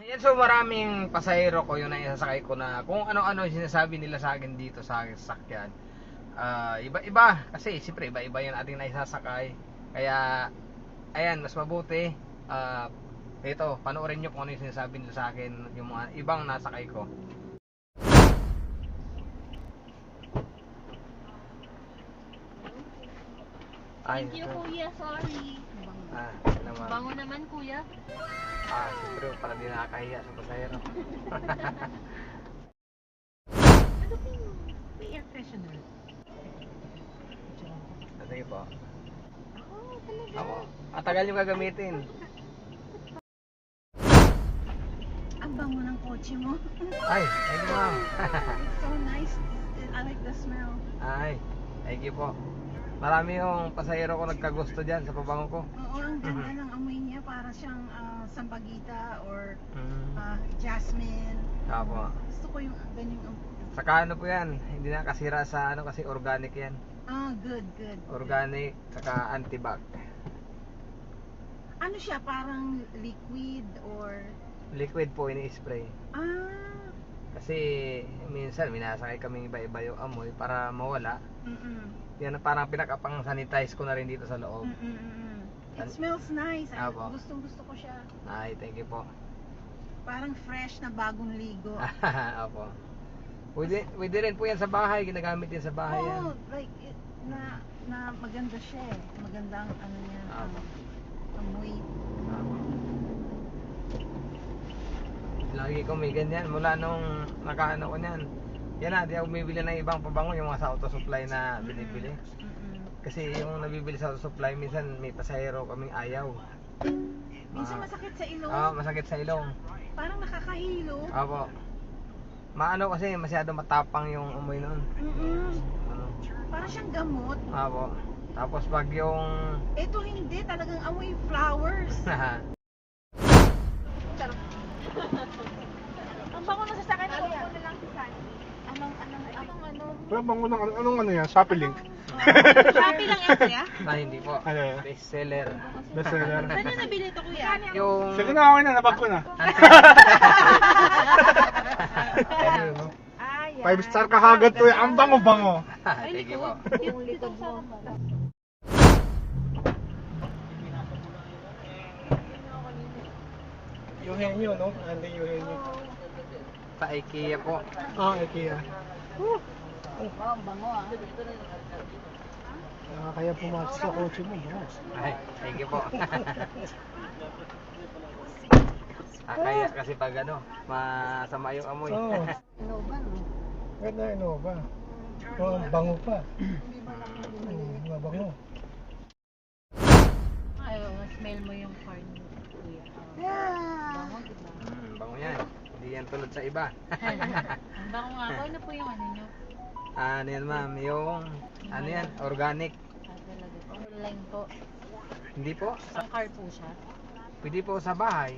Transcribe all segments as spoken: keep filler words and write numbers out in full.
Yan, so maraming pasahero ko yung naisasakay ko na kung ano-ano sinasabi nila sa akin dito sa aking sasakyan. Ah, iba-iba kasi siyempre iba-iba yung ating naisasakay. Kaya ayan, mas mabuti ah ito, panoorin nyo kung ano yung sinasabi nila sa akin yung mga ibang nasakay ko. Ay, Thank you, ito. kuya. Sorry. Ah, naman. Bango naman, kuya. Ah, siyempre para di nakakahiya sa pasahero. Ano po yung may air freshener? Sige po. Oh, talaga? Ako, matagal yung gagamitin. Ang bango ng kotse mo. Ay, thank you ma'am. It's so nice. I like the smell. Ay, thank you po. Marami yung pasahero ko nagkagusto dyan sa pabango ko. Oo, ang ganda ng amoy niya. Para siyang ah, sambagita or Mm. ah, jasmine. Apo. Gusto ko yung ganyang amoy. Saka ano po yan, hindi na kasira sa ano kasi organic yan. Ah, good, good. Organic, saka anti-bac. Ano siya? Parang liquid or... Liquid po ini-spray. Ah, Kasi minsan minasakay kaming iba-iba yung amoy para mawala. mm-mm. Yan parang pinakapang sanitize ko na rin dito sa loob. Mm-mm-mm. It An- smells nice. Ay, Apo. gustong gusto ko siya. Ay, thank you po. Parang fresh na bagong ligo. Opo. Pwede, pwede rin po yan sa bahay, ginagamit din sa bahay yan. Oh, like it, na na maganda siya eh. Magandang ano niya, Apo. um, amoy. Opo. Lagi ko may ganyan mula nung nakaano ko niyan. Yan na, di ako bumibili ng ibang pabango, yung mga sa auto supply na binibili. Mm-mm. Kasi yung nabibili sa auto supply, minsan may pasahero kaming ayaw. Minsan Ah. masakit sa ilong. Ah, masakit sa ilong. Parang nakakahilo. Opo. Maano kasi masyado matapang yung amoy noon. Mm-mm. Ano? Parang siyang gamot. Opo. Tapos pag yung Ito hindi, talagang amoy flowers. Ang bango na sa sakay na kuya. Ano lang si Sunny? Anong, anong, anong, ano? Wala bang unang, anong ano yan? Shopee link? Shopee lang yan, kuya? ah, hindi po. Ano yan? Best seller. Best seller. Saan nyo nabili ito, kuya? Yung Sige na, okay na, nabag ko na. Ayun, no? Ah, yan. Five star ka kagad to eh. Ang bango-bango. Thank you po. Yung likod mo. Yung henyo, no? Andy yung henyo. Sa IKEA po. Ah, IKEA. Oh, ang bango ah. Nakakaya pumasok sa kotse mo, bango. Ay, thank you po. ah, kaya kasi pag ano, masama yung amoy. Oo. Innova, no? Ganda Innova. Oh, ang bango pa. Hmm, mabango. Ay, smell mo yung car niyo, kuya. Yeah. Bango, diba? Mm, bango yan. Hindi yan tulad sa iba. Ang bango nga po. Ano po yung ano nyo? Ah, ano yan ma'am, yung ano yan, organic. Ah, talaga po. Online po. Hindi po, Isang car po siya. pwede po sa bahay.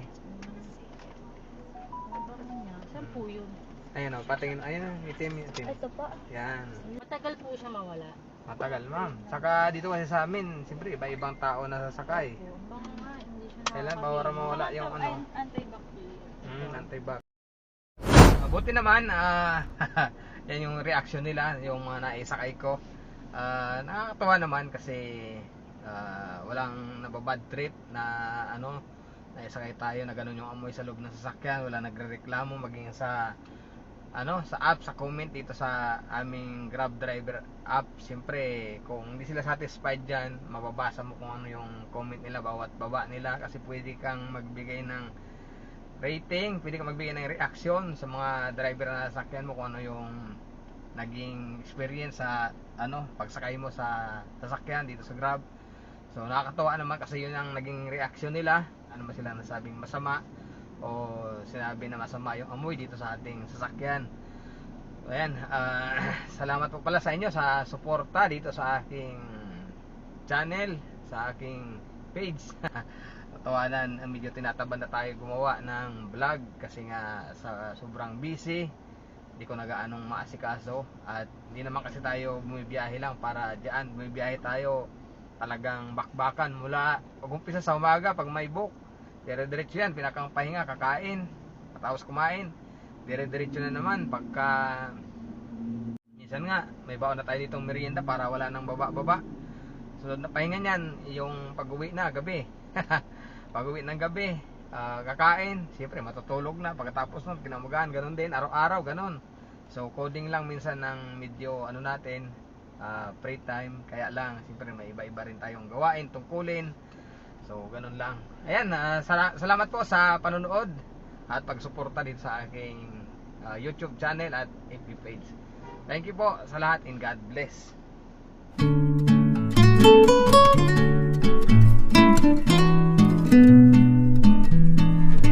Ang bango niya. Saan po yun? Ayun o, patingin, ayun o, itim, itim. po. Yan, Matagal po siya mawala. matagal ma'am. Saka dito kasi sa amin, siyempre iba-ibang tao na sasakay. Opo. Ang bango nga. Hindi siya Kailan nakakahilo. bawara mawala yung ano? Antibacterial. Mm, anti-bac. Mabuti naman, ah, yan yung reaction nila, yung mga naisakay ko. Ah, nakakatawa naman kasi ah, walang nababad trip na ano, naisakay tayo na ganun yung amoy sa loob ng sasakyan, wala nagrereklamo maging sa ano, sa app, sa comment dito sa aming Grab driver app. Siyempre, kung hindi sila satisfied diyan, mababasa mo kung ano yung comment nila bawat baba nila kasi pwede kang magbigay ng rating, pwede kang magbigay ng reaction sa mga driver na sasakyan mo kung ano yung naging experience sa ano, pagsakay mo sa sasakyan dito sa Grab. So nakakatawa naman kasi yun ang naging reaction nila. Ano ba sila nasabing masama o sinabi na masama yung amoy dito sa ating sasakyan. So ayan, ah, salamat po pala sa inyo sa suporta dito sa aking channel, sa aking page. Tawanan, medyo tinataban na tayo gumawa ng vlog kasi nga sa sobrang busy, hindi ko nagaanong maasikaso at hindi naman kasi tayo bumibiyahe lang para diyan, bumibiyahe tayo talagang bakbakan mula pag umpisa sa umaga pag may book, dire-diretso yan, pinakang pahinga, kakain, pagkatapos kumain, dire-diretso na naman pagka minsan nga may baon na tayo ditong merienda para wala nang baba-baba. Sunod na pahinga niyan yung pag-uwi na gabi. Pag-uwi ng gabi, ah, kakain, siyempre matutulog na. Pagkatapos nun kinamugahan, ganun din araw-araw, ganun. So coding lang minsan ng medyo ano natin, ah, free time, kaya lang siyempre may iba-iba rin tayong gawain, tungkulin. So ganun lang. Ayan, ah, sala- salamat po sa panonood at pagsuporta dito sa aking ah, YouTube channel at F B page. Thank you po sa lahat and God bless.